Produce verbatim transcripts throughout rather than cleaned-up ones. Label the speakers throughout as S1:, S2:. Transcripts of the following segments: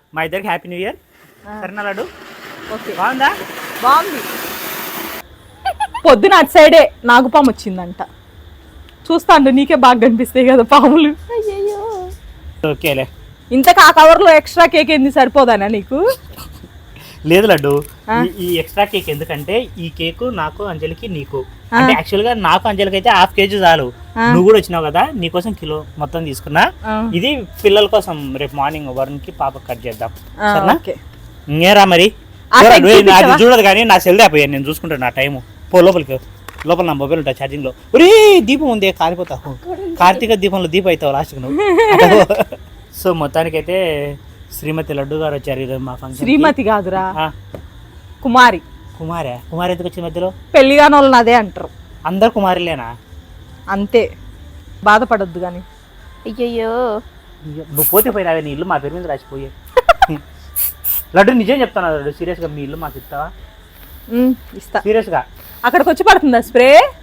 S1: మా ఇద్దరికి happy new year. సరేనా లడ్డు?
S2: ఓకే,
S1: బాగుందా?
S2: బాగుంది. పొద్దున అటు సైడే నాగుపాము వచ్చిందంట. చూస్తాండు, నీకే బాగా కనిపిస్తాయి కదా పాములు.
S1: ఓకేలే.
S2: ఇంతకు ఆ కవర్లో ఎక్స్ట్రా కేక్ ఏంది, సరిపోదానా నీకు?
S1: లేదు లడ్డు, ఈ ఎక్స్ట్రా కేక్ ఎందుకంటే ఈ కేక్ నాకు, అంజలికి, నీకు. అంటే యాక్చువల్ గా నాకు అంజలికి అయితే హాఫ్ కేజీ చాలు. నువ్వు కూడా వచ్చినావు కదా, నీకోసం కిలో మొత్తం తీసుకున్నా. ఇది పిల్లల కోసం రేపు మార్నింగ్ వరుణ్ కి పాప కట్ చేద్దాం. సరేనా? ఇంకేరా మరి? అది చూడదు కానీ నా సెల్ అయిపోయాను, నేను చూసుకుంటాను నా టైము. పో లోపలికి, లోపల నా మొబైల్ ఉంటా ఛార్జింగ్ లో. ఒరే దీపం ఉంది, కాలిపోతావు. కార్తీక దీపంలో దీపం అవుతావు లాస్ట్కి నువ్వు. సో మొత్తానికైతే శ్రీమతి లడ్డు గారు వచ్చారు ఈరోజు మా ఫంక్షన్.
S2: శ్రీమతి కాదురా, కుమారి.
S1: కుమారే? కుమారి ఎందుకు వచ్చింది మధ్యలో?
S2: పెళ్లిగాని వాళ్ళని అదే అంటారు.
S1: అందరు కుమారులేనా?
S2: అంతే, బాధపడొద్దు కానీ.
S3: అయ్యయ్యో,
S1: నువ్వు పోతే పోయినావే, నీ ఇల్లు మా పేరు మీద రాసిపోయే. లడ్డు నిజం చెప్తాను లడ్డు, సీరియస్ గా మీ ఇల్లు మాకు ఇస్తావా?
S2: ఇస్తా.
S1: సీరియస్ గా
S2: అక్కడికి వచ్చి పడుతుందా స్ప్రే?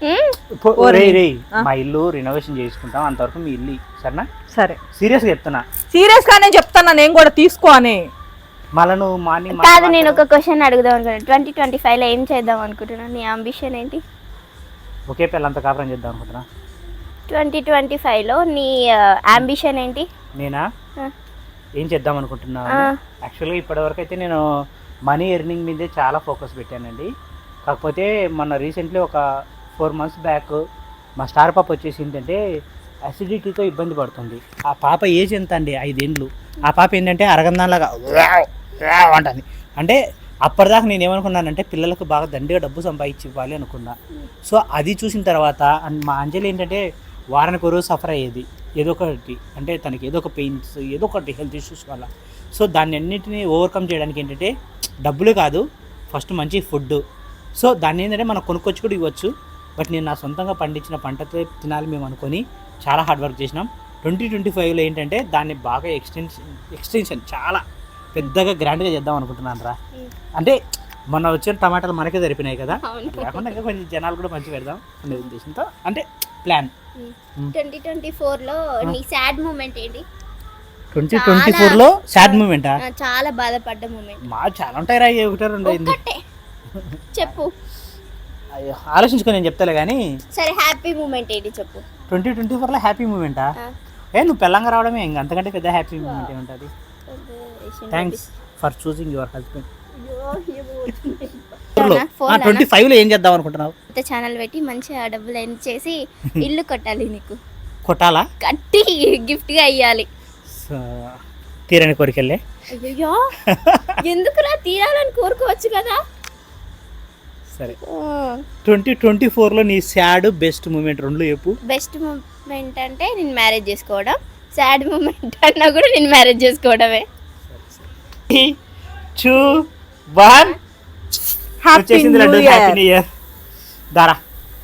S1: మా ఇల్లు రినోవేషన్ చేసుకుంటాం, అంతవరకు మీ ఇల్లు. సరేనా?
S2: సరే,
S1: సీరియస్ గా చెప్తున్నా.
S2: సీరియస్ గానే చెప్తాను, నేను కూడా తీసుకో అని.
S1: మళ్ళీ నువ్వు మార్నింగ్
S3: కాదు, నేను ఒక క్వశ్చన్ అడుగుదాం అనుకున్నాను. ట్వంటీ ట్వంటీ ఫైవ్ లో ఏం చేద్దాం అనుకుంటున్నాను? నీ అంబిషన్ ఏంటి?
S1: ఒకే పిల్లంతా కాపురం చేద్దాం అనుకుంటున్నా.
S3: ట్వంటీ ట్వంటీ ఫైవ్ లో నీ అంబిషన్ ఏంటి?
S1: నేనా ఏం చేద్దాం అనుకుంటున్నా? యాక్చువల్గా ఇప్పటివరకు అయితే నేను మనీ ఎర్నింగ్ మీదే చాలా ఫోకస్ పెట్టానండి. కాకపోతే మొన్న రీసెంట్లీ ఒక ఫోర్ మంత్స్ బ్యాక్ మా స్టార్ పాప వచ్చేసి ఏంటంటే అసిడిటీతో ఇబ్బంది పడుతుంది. ఆ పాప ఏజ్ ఎంత అండి? ఐదేండ్లు. ఆ పాప ఏంటంటే అరగందాలాగా అంటుంది. అంటే అప్పటిదాకా నేను ఏమనుకున్నానంటే పిల్లలకు బాగా దండిగా డబ్బు సంపాదించి ఇవ్వాలి అనుకున్నా. సో అది చూసిన తర్వాత మా అంజలి ఏంటంటే వారానికి ఒక రోజు సఫర్ అయ్యేది ఏదో ఒకటి. అంటే తనకి ఏదో ఒక పెయిన్స్, ఏదో ఒకటి హెల్త్ ఇష్యూస్ వల్ల. సో దాన్ని అన్నింటినీ ఓవర్కమ్ చేయడానికి ఏంటంటే డబ్బులు కాదు, ఫస్ట్ మంచి ఫుడ్. సో దాన్ని ఏంటంటే మనం కొనుక్కొచ్చి కూడా ఇవ్వచ్చు. బట్ నేను నా సొంతంగా పండించిన పంటతో తినాలి మేము అనుకొని చాలా హార్డ్ వర్క్ చేసినాం. ట్వంటీ ట్వంటీ ఫైవ్లో ఏంటంటే దాన్ని బాగా ఎక్స్టెన్షన్ ఎక్స్టెన్షన్ చాలా పెద్దగా గ్రాండ్గా చేద్దాం అనుకుంటున్నాను రా. అంటే మొన్న వచ్చిన టమాటాలు మనకే సరిపోయినాయి కదా, కాకుండా ఇంకా కొంచెం జనాలు కూడా మంచి పెడదాం అనే ఉద్దేశంతో అంటే ప్లాన్.
S3: ట్వంటీ ట్వంటీ ఫోర్ లో నీ సాడ్ మూమెంట్ ఏంటి?
S1: ట్వంటీ ట్వంటీ ఫోర్ లో సాడ్ మూమెంటా?
S3: చాలా బాధపడ్డ మూమెంట్.
S1: మా చాలా ఉంటాయి రా, ఒకటే రెండు అయింది
S3: చెప్పు.
S1: అయ్యో ఆలోచించుకొని నేను చెప్తాలే కానీ.
S3: సరే, హ్యాపీ మూమెంట్ ఏంటి చెప్పు.
S1: ట్వంటీ ట్వంటీ ఫోర్ లో హ్యాపీ మూమెంటా? ఏ నువ్వు పెళ్ళంగా రావడమే ఇంకా, అంతకంటే పెద్ద హ్యాపీ మూమెంట్ ఏముంటుంది? Thanks for choosing your husband. Twenty five లో ఏం చేద్దాం అనుకుంటున్నావు?
S3: ఛానల్ పెట్టి మంచిగా డబ్బులు ఎర్న్ చేసి ఇల్లు కొట్టాలి. నీకు
S1: కొట్టాలా?
S3: కట్టి గిఫ్ట్ గా ఇయ్యాలి.
S1: తీరని కోరికెళ్ళే.
S3: అయ్యో, ఎందుకురా తీరాలని కోరుకోవచ్చు కదా.
S1: సరే, ట్వంటీ ట్వంటీ ఫోర్ లో నీ సాడ్ బెస్ట్ మూమెంట్ రెండు చెప్పు.
S3: బెస్ట్ మూమెంట్ అంటే నేను మ్యారేజ్ చేసుకోవడం, సాడ్ మూమెంట్ అన్నా కూడా నేను మ్యారేజ్ చేసుకోవడమే.
S1: Two one happy new year. దారా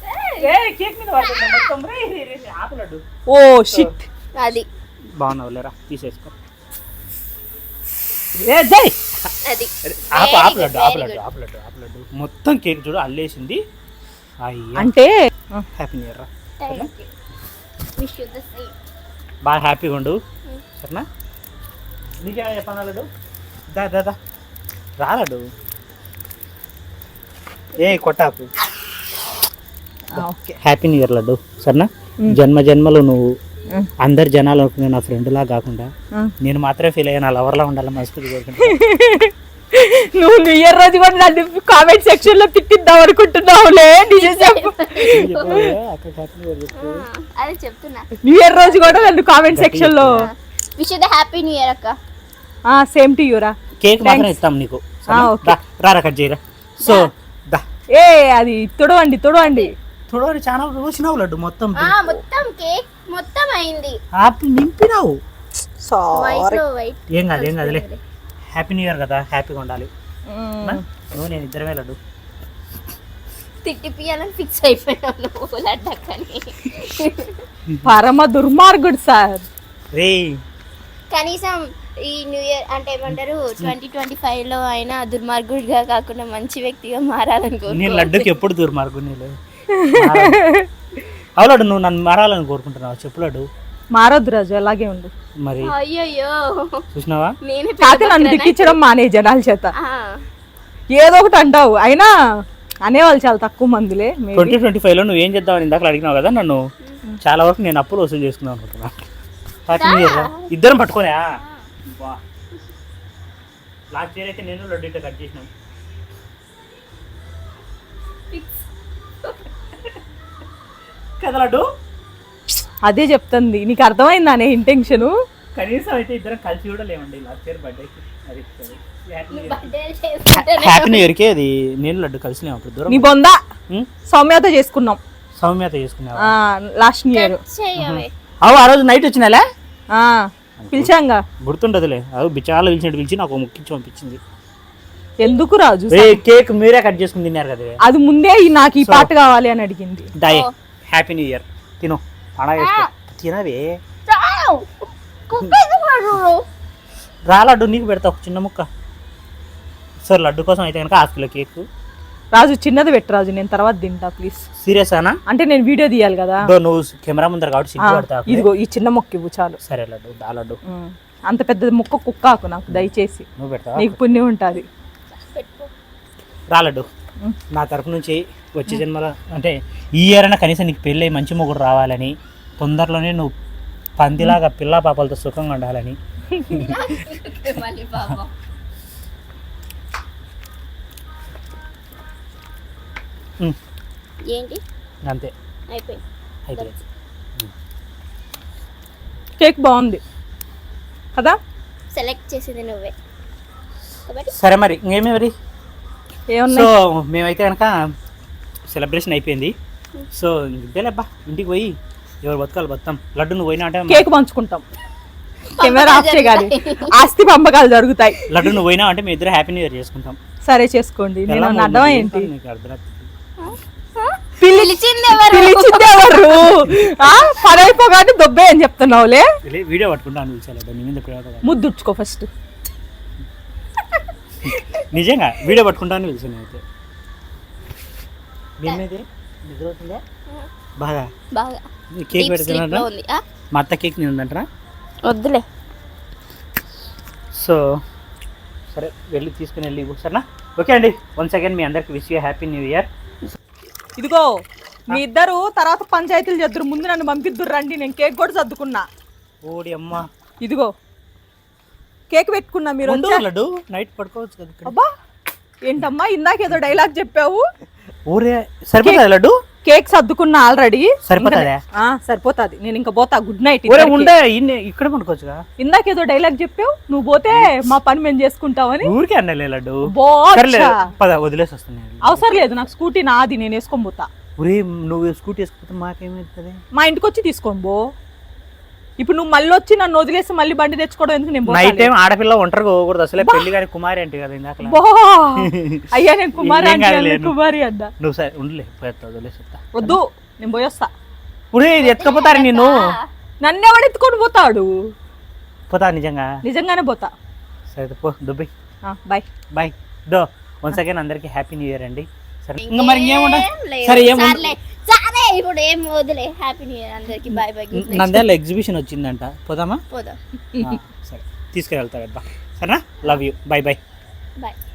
S2: ఓ షిట్,
S3: అది
S1: బాగున్నావు లేరా, తీసేసుకో.
S3: అది
S1: మొత్తం కేక్ చూడు అల్లేసింది.
S2: అంటే
S1: హ్యాపీ న్యూ ఇయర్ రా,
S3: విష్ యు ది సేమ్.
S1: బాగా హ్యాపీగా ఉండు. సరేనా? నీకేమైనా చెప్పాను లడ్డు? దా దా దా రా లడ్డు. ఏ కొట్టాపు. Happy new year laddu. సరేనా? జన్మ జన్మలు నువ్వు అందరు జనాలు అనుకునే నా ఫ్రెండ్ లా కాకుండా నేను మాత్రమే ఫీల్ అయ్యా, నా లవర్ లా ఉండాలి మనస్ఫూర్తి కోరుకుంటా.
S2: నువ్వు న్యూ ఇయర్ రోజు కూడా నన్ను కామెంట్ సెక్షన్ లో తిట్టిద్దాం అనుకుంటున్నావులే.
S3: అదే చెప్తున్నా,
S2: న్యూ ఇయర్ రోజు కూడా నన్ను కామెంట్ సెక్షన్ లో
S3: wish you the happy new year అక్క.
S2: ఆ సేమ్ టు యు రా.
S1: కేక్ మాత్రం ఇస్తాం నీకు. రా రా కట్ చేయరా. సో దా. ఏ
S2: అది తొడవండి తొడవండి
S1: తొడవని చాలా రోజునావు లడ్డు. మొత్తం
S3: మొత్తం కేక్ మొత్తం అయింది,
S1: నింపినావు.
S3: వైట్
S1: ఏం కాదు ఏం కాదులే. హ్యాపీ న్యూ ఇయర్ కదా, హ్యాపీగా ఉండాలి. నువ్వు నేను ఇద్దరమే లడ్డు.
S3: తిట్టిపియాలని ఫిక్స్ అయిపోయినావు లడ్డక్కని.
S2: పరమ దుర్మార్గుడు సార్.
S1: రే
S3: కనీసం ఈ న్యూ ఇయర్ అంటే ఏమంటారు ట్వంటీ ట్వంటీ ఫైవ్ లో అయినా దుర్మార్గుడిగా కాకుండా మంచి వ్యక్తిగా మారాలనుకో.
S1: నేను లడ్డుకి ఎప్పుడు దుర్మార్గుని లేదు. అవులాడు, నువ్వు నన్ను మారాలని కోరుకుంటున్నావు చెప్పు లడ్డు.
S2: మారొద్దు రాజు, అలాగే ఉండు.
S1: మరి
S3: అయ్యయ్యో
S1: చూసినావా
S3: నేనే
S2: కాకపోతే నన్ను దిక్కించడం మానే జనాల చేత. ఏదో ఒకటి అంటావు, అయినా అనేవాళ్ళు చాలా తక్కువ మందిలే. maybe.
S1: ట్వంటీ ట్వంటీ ఫైవ్ లో నువ్వు ఏం చేద్దామని ఇందాక అడిగినావు కదా నన్ను, చాలా వరకు నేను అప్పులు వసూలు చేసుకుందాం అనుకుంటున్నా. హ్యాపీ న్యూ ఇయర్ రా. ఇద్దరం పట్టుకోనా లాస్ట్ ఇయర్ అయితే నేను లడ్డు ఇట్లా కట్ చేసినాం. కదా లడ్డు,
S2: అదే చెప్తుంది, నీకు అర్థమైందా అనే ఇంటెన్షన్.
S1: కనీసం అయితే ఇద్దరం కలిసి కూడా లేవండి లాస్ట్ ఇయర్ బర్త్డేకి. అది
S3: బర్త్డే
S1: హ్యాపీ న్యూ ఇయర్కి అది నేను లడ్డు కలిసి లేము అప్పుడు
S2: నీ
S1: దూరం.
S2: బొందా
S1: ఉం?
S2: సౌమ్యత చేసుకున్నాం
S1: సౌమ్యత చేసుకున్నావా?
S2: Last year.
S3: చేయవే
S1: అవు ఆ రోజు నైట్ వచ్చినాలే
S2: పిలిచాంగా,
S1: గుర్తుండదులే. అది బిచాలు పిలిచినట్టు పిలిచి నాకు ముక్కించి పంపించింది.
S2: ఎందుకు రాజు?
S1: ఏ కేక్ మీరే కట్ చేసుకుని తిన్నారు కదా.
S2: అది ముందే ఈ- నాకు ఈ
S1: So-
S2: పాట కావాలి అని అడిగింది.
S1: దాయే హ్యాపీ న్యూ ఇయర్ తిను పండగ చేసుకో. తినవే రా లడ్డు, నీకు పెడతా ఒక చిన్న ముక్క. సార్ లడ్డు కోసం అయితే కనుక హాఫ్ కిలో కేక్.
S2: రాజు చిన్నది పెట్టు రాజు, నేను తర్వాత తింటా ప్లీజ్.
S1: సీరియస్ అనా?
S2: అంటే నేను వీడియో తీయాలి కదా.
S1: దో నువ్వు కెమెరా ముందర కాబట్టి
S2: ఆ,
S1: సిగ్గు పడతా.
S2: ఇదిగో ఈ చిన్న మొక్క ఇవ్వు చాలు.
S1: సరే లడ్డు దా లడ్డు
S2: ఉం. అంత పెద్ద ముక్క కుక్కాకు నాకు దయచేసి,
S1: నువ్వు పెడతావా?
S2: నీకు పుణ్యం ఉంటుంది.
S1: రా లడ్డు,
S2: ఉం.
S1: నా తరపు నుంచి వచ్చే జన్మల అంటే ఈ ఇయర్ అయినా కనీసం నీకు పెళ్ళి అయ్యి మంచి మొగుడు రావాలని, తొందరలోనే నువ్వు పందిలాగా పిల్ల పాపలతో సుఖంగా ఉండాలని.
S3: మళ్ళీ పాపం
S1: ఉం.
S3: ఏంటి
S1: అంతే
S3: అయిపోయింది.
S1: అయితే
S2: కేక్ బాగుంది కదా.
S3: సెలెక్ట్ చేసింది నువ్వే కాబట్టి
S1: సరే మరి ఇంకేమే మరి. సో
S2: ఏమన్నా
S1: మేమైతే కనుక సెలబ్రేషన్ అయిపోయింది. సో ఇంతేలేబ్బా, ఇంటికి పోయి ఎవరు బతకాలి బతాం. లడ్డు నువ్వు పోయినా అంటే
S2: కేక్ పంచుకుంటాం, కెమెరా ఆఫ్ చేయగాలి, ఆస్తి పంపకాలు జరుగుతాయి.
S1: లడ్డు నువ్వు పోయినా అంటే మేము ఇద్దరు హ్యాపీ న్యూ ఇయర్ చేసుకుంటాం.
S2: సరే చేసుకోండి. నేను
S1: ఎలా
S2: అర్థం
S1: ఉంది?
S2: ఏంటి?
S1: నీకు అర్థమవుతుంది.
S3: పిలిచింది ఎవరు?
S2: పిలిచింది ఎవరు? ఆ, పని అయిపోగానే దొబ్బే అని చెప్తున్నావులే.
S1: లే- వీడియో పట్టుకుంటా అని పిలిచా లడ్డు, నీ మీద ప్రేమ కదా.
S2: ముద్దుచ్చుకో ఫస్ట్.
S1: నిజంగా వీడియో పట్టుకుంటా అని పిలిచాను అయితే. మేమైతే నిద్ర అవుతుందా బాగా?
S3: బాగా
S1: కేక్
S3: Deep sleep లో
S1: పెడుతున్నా
S3: ఉంది. ఆ?
S1: మా అత్త కేక్ తిందంటారా?
S3: వద్దులే.
S1: సో సరే వెళ్ళి తీసుకుని వెళ్ళి ఇవ్వు, సరేనా? ఓకే అండి, వన్స్ అగైన్ మీ అందరికి wish you happy new year.
S2: ఇదిగో మీ ఇద్దరు తర్వాత పంచాయతీలు చేద్దరు, ముందు నన్ను పంపిద్దురు రండి, నేను కేక్ కూడా సర్దుకున్నా.
S1: ఓడి అమ్మ,
S2: ఇదిగో కేక్ పెట్టుకున్నా, మీరు
S1: ఉండు
S2: వచ్చా-
S1: లడ్డు నైట్ పడుకోవచ్చు కదా ఇక్కడ.
S2: అబ్బా ఏంటమ్మా ఇందాక ఏదో డైలాగ్ చెప్పావు.
S1: ఊరే సరిపోతుంది లడ్డు,
S2: కేక్ సర్దుకున్నా ఆల్రెడీ.
S1: సరిపోతుందా?
S2: సరిపోతాది, నేను ఇంకా పోతా. Good night.
S1: ఊరే ఉండే ఇన్ని ఇక్కడ పడుకోవచ్చుగా.
S2: ఇందాక ఏదో డైలాగ్ చెప్పావు, నువ్వు పోతే మా పని మేము చేసుకుంటామని.
S1: ఊరికే అన్నలే లడ్డు.
S2: బో
S1: సరేలే,
S2: అచ్చా.
S1: పద వదిలేసి వస్తున్నాయి.
S2: అవసరం లేదు, నాకు స్కూటీ నాది, నేను వేసుకొని పోతా.
S1: ఊరే నువ్వు స్కూటీ వేసుకుంటే మాకేమవుతుంది?
S2: మా ఇంటికి వచ్చి తీసుకోండి బో. ఇప్పుడు నువ్వు మళ్ళీ వచ్చి నన్ను వదిలేసి మళ్ళీ బండి తెచ్చుకోవడం ఎందుకు? నేను
S1: నైట్
S2: పోతాలే.
S1: టైం ఆడపిల్ల ఒంటరిగా పోకూడదు అసలే. పెళ్లి గారి కుమారి అంటే కదా ఇందాక.
S2: బో అయ్యా నేను కుమారి
S1: ఏం
S2: అంటే
S1: కాదులే,
S2: అన్న, కుమారి అడ్డా
S1: నువ్వు సరే ఉండలే, పోయేస్తా వదిలేసి వస్తా.
S2: వద్దు, నేను పోయొస్తా.
S1: ఊరే ఇది ఎత్తుకపోతారు నిన్ను.
S2: నన్ను ఎవడు ఎత్తుకొని పోతాడు?
S1: పోతా నిజంగా.
S2: నిజంగానే పోతా.
S1: సరే పో దుబ్బై.
S2: Bye
S1: bye. దో వన్స్ అగైన్ అందరికి హ్యాపీ న్యూ ఇయర్ అండి. సరే ఇంకా మరి ఇంకేముండ
S3: లేదు.
S1: సరే ఏం
S3: సర్లే. సరే ఇప్పుడు ఏం వదిలే. హ్యాపీ న్యూ ఇయర్ అందరికి. Bye bye.
S1: నంద్యాల ఎగ్జిబిషన్ వచ్చిందంట, పోదామా?
S3: పోదాం.
S1: ఆ, సరే తీసుకెళ్తా అబ్బా. సరేనా? Love you. Bye bye.
S3: Bye.